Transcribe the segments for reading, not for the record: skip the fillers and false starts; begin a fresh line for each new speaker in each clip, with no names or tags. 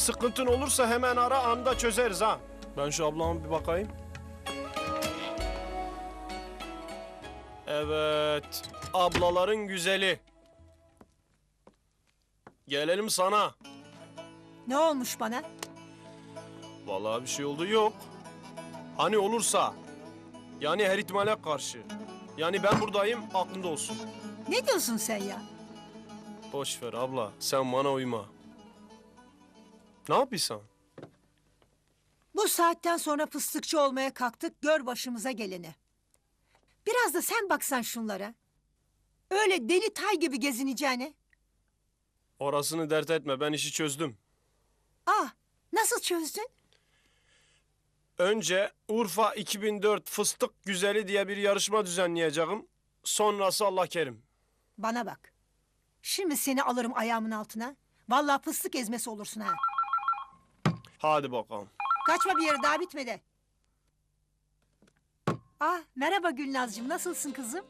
sıkıntın olursa hemen ara, anda çözeriz ha. Ben şu ablama bir bakayım. Evet, ablaların güzeli. Gelelim sana.
Ne olmuş bana?
Vallahi bir şey oldu yok. Hani olursa, yani her ihtimale karşı. Yani ben buradayım, aklında olsun.
Ne diyorsun sen ya?
Boş ver abla, sen bana uyma. Ne yapıyorsun?
Bu saatten sonra fıstıkçı olmaya kalktık, gör başımıza geleni. Biraz da sen baksan şunlara. Öyle deli tay gibi gezineceğine.
Orasını dert etme, ben işi çözdüm.
Ah, nasıl çözdün?
Önce Urfa 2004 Fıstık Güzeli diye bir yarışma düzenleyeceğim. Sonrası Allah kerim.
Bana bak. Şimdi seni alırım ayağımın altına. Vallahi fıstık ezmesi olursun ha.
Hadi bakalım.
Kaçma bir yere, daha bitmedi. Ah, merhaba Gülnazcığım, nasılsın kızım?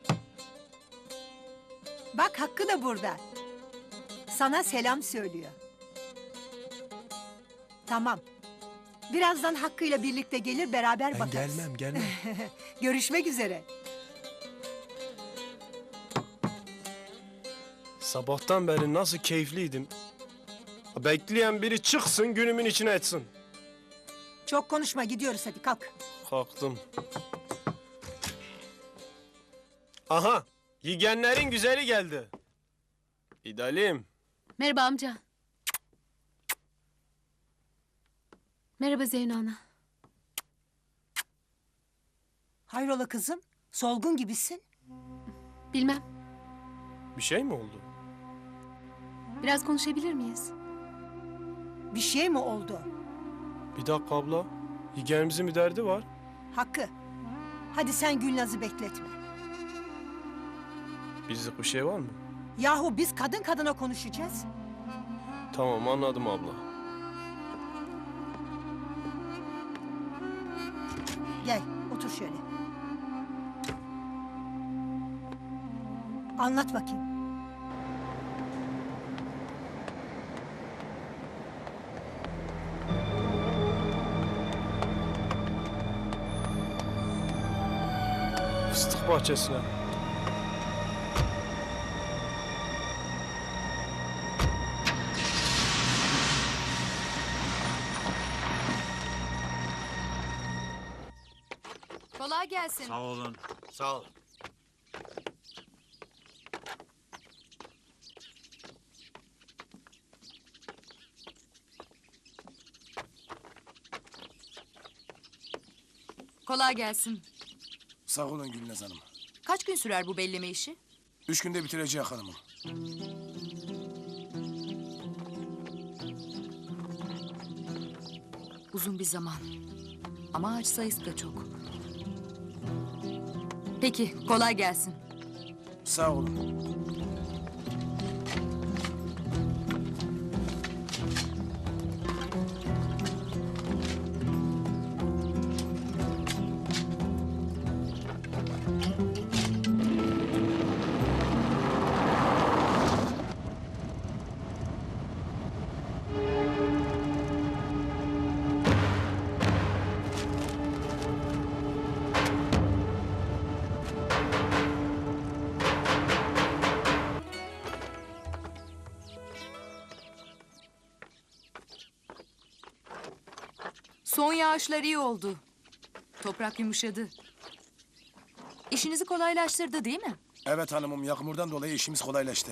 Bak Hakkı da burada. Sana selam söylüyor. Tamam. Birazdan Hakkı'yla birlikte gelir, beraber
Ben
bakarız.
gelmem.
Görüşmek üzere.
Sabahtan beri nasıl keyifliydim. Bekleyen biri çıksın, günümün içine etsin.
Çok konuşma, gidiyoruz hadi, kalk.
Kalktım. Aha, yigenlerin güzeli geldi. İdalim.
Merhaba amca. Merhaba Zeyno ana.
Hayrola kızım, solgun gibisin.
Bilmem.
Bir şey mi oldu?
Biraz konuşabilir miyiz?
Bir şey mi oldu?
Bir dakika abla. Yigenimizin bir derdi var.
Hakkı, hadi sen Gülnaz'ı bekletme.
Bizlik bir şey var mı?
Yahu biz kadın kadına konuşacağız.
Tamam, anladım abla.
Gel, otur şöyle. Anlat bakayım.
Fıstık bahçesine.
Kolay gelsin.
Sağ olun.
Sağ ol.
Kolay gelsin.
Sağ olun Gülnaz Hanım.
Kaç gün sürer bu belleme işi?
3 günde bitireceğiz hanımım.
Uzun bir zaman. Ama ağaç sayısı da çok. Peki, kolay gelsin.
Sağ olun.
Son yağışlar iyi oldu. Toprak yumuşadı. İşinizi kolaylaştırdı değil mi?
Evet hanımım, yağmurdan dolayı işimiz kolaylaştı.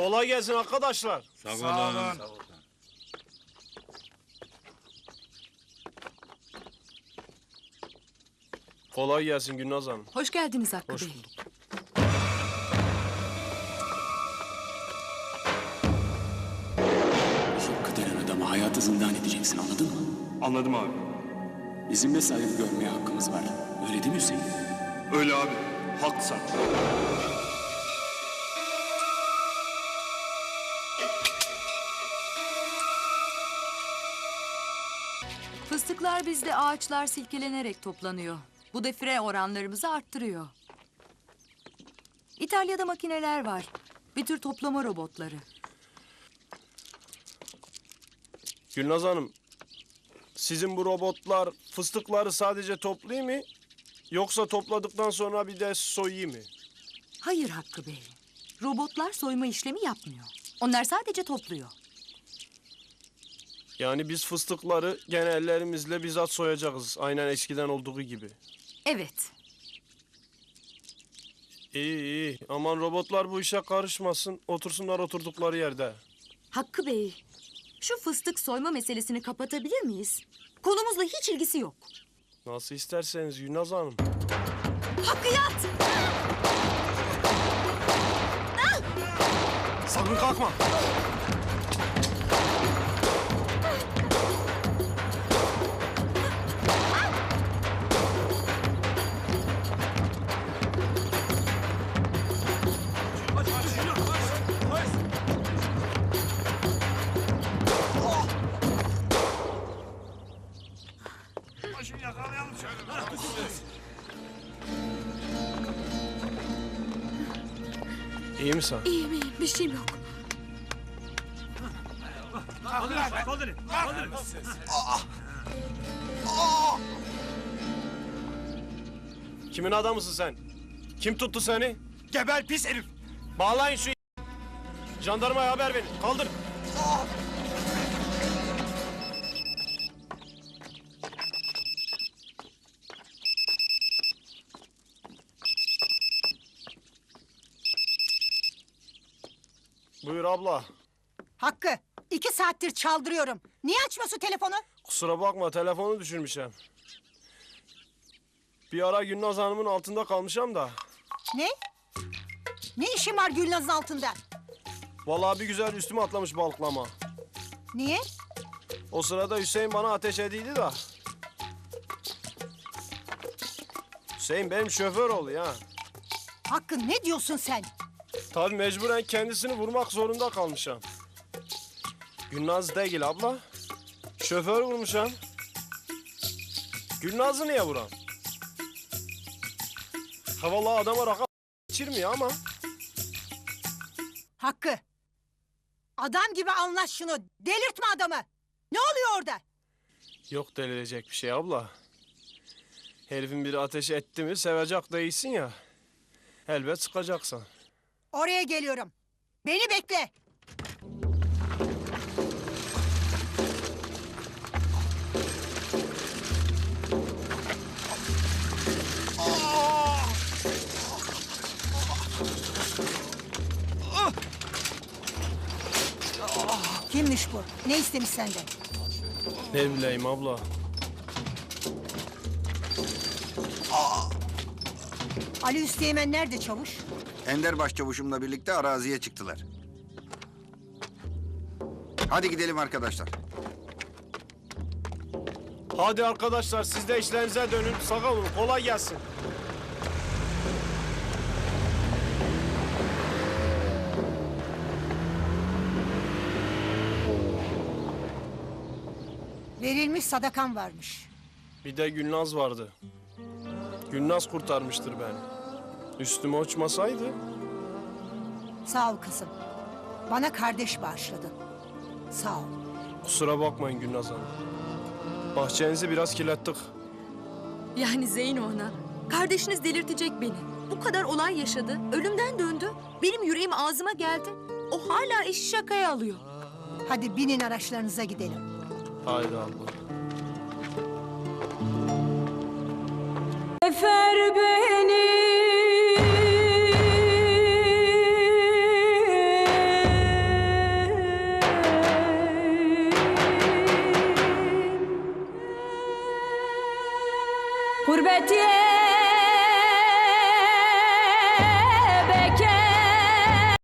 Kolay gelsin arkadaşlar.
Sağ olun.
Kolay gelsin Gülnaz Hanım.
Hoş geldiniz Hakkı
Hoş
Bey.
bulduk.
Hakkı denen adamı hayatı zindan edeceksin, anladın mı?
Anladım abi.
Bizim de saygı görmeye hakkımız var. Öyle değil mi Hüseyin?
Öyle abi. Haklısın.
Fıstıklar bizde ağaçlar silkelenerek toplanıyor. Bu defire oranlarımızı arttırıyor. İtalya'da makineler var. Bir tür toplama robotları.
Gülnaz Hanım, sizin bu robotlar fıstıkları sadece toplayayım mı? Yoksa topladıktan sonra bir de soyayım mı?
Hayır Hakkı Bey. Robotlar soyma işlemi yapmıyor. Onlar sadece topluyor.
Yani biz fıstıkları gene ellerimizle bizzat soyacağız. Aynen eskiden olduğu gibi.
Evet.
İyi iyi. Aman robotlar bu işe karışmasın. Otursunlar oturdukları yerde.
Hakkı Bey, şu fıstık soyma meselesini kapatabilir miyiz? Konumuzla hiç ilgisi yok.
Nasıl isterseniz Gülnaz Hanım.
Hakkı yat!
Sakın kalkma. İyi misin?
İyiyim iyiyim. Bir şeyim yok.
Kimin adamısın sen? Kim tuttu seni?
Geber pis herif.
Bağlayın şu jandarmaya haber verin. Kaldır. Buyur abla.
Hakkı, 2 saattir çaldırıyorum. Niye açmıyorsun telefonu?
Kusura bakma telefonu düşürmüşüm. Bir ara Gülnaz Hanım'ın altında kalmışam da.
Ne? Ne işin var Gülnaz'ın altında?
Vallahi bir güzel üstüme atlamış balıklama.
Niye?
O sırada Hüseyin bana ateş ediydi da. Hüseyin benim şoför oldu ya.
Hakkı ne diyorsun sen?
Tabii mecburen kendisini vurmak zorunda kalmışam. Gülnaz değil abla. Şoför vurmuşam. Gülnaz'ı niye vuram? Ha vallahi adama rakam içirmiyor ama.
Hakkı. Adam gibi anlaş şunu. Delirtme adamı. Ne oluyor orada?
Yok delirecek bir şey abla. Herifin biri ateş etti mi sevecek değilsin ya. Elbet sıkacaksın.
Oraya geliyorum. Beni bekle. Kimmiş bu? Ne istemiş senden?
Ne bileyim abla.
Ali Üsteğmen nerede çavuş?
Ender Başçavuşumla birlikte araziye çıktılar. Hadi gidelim arkadaşlar.
Hadi arkadaşlar siz de işlerinize dönün. Sağ olun kolay gelsin.
Verilmiş sadakan varmış.
Bir de Gülnaz vardı. Gülnaz kurtarmıştır beni. Üstüme uçmasaydı.
Sağ ol kızım. Bana kardeş bağışladın. Sağ ol.
Kusura bakmayın Gülnaz Hanım. Bahçenizi biraz kirlettik.
Yani Zeyno ana, kardeşiniz delirtecek beni. Bu kadar olay yaşadı, ölümden döndü. Benim yüreğim ağzıma geldi. O hala işi şakaya alıyor.
Hadi binin araçlarınıza gidelim.
Haydi abla.
Efer beni Gurbetiye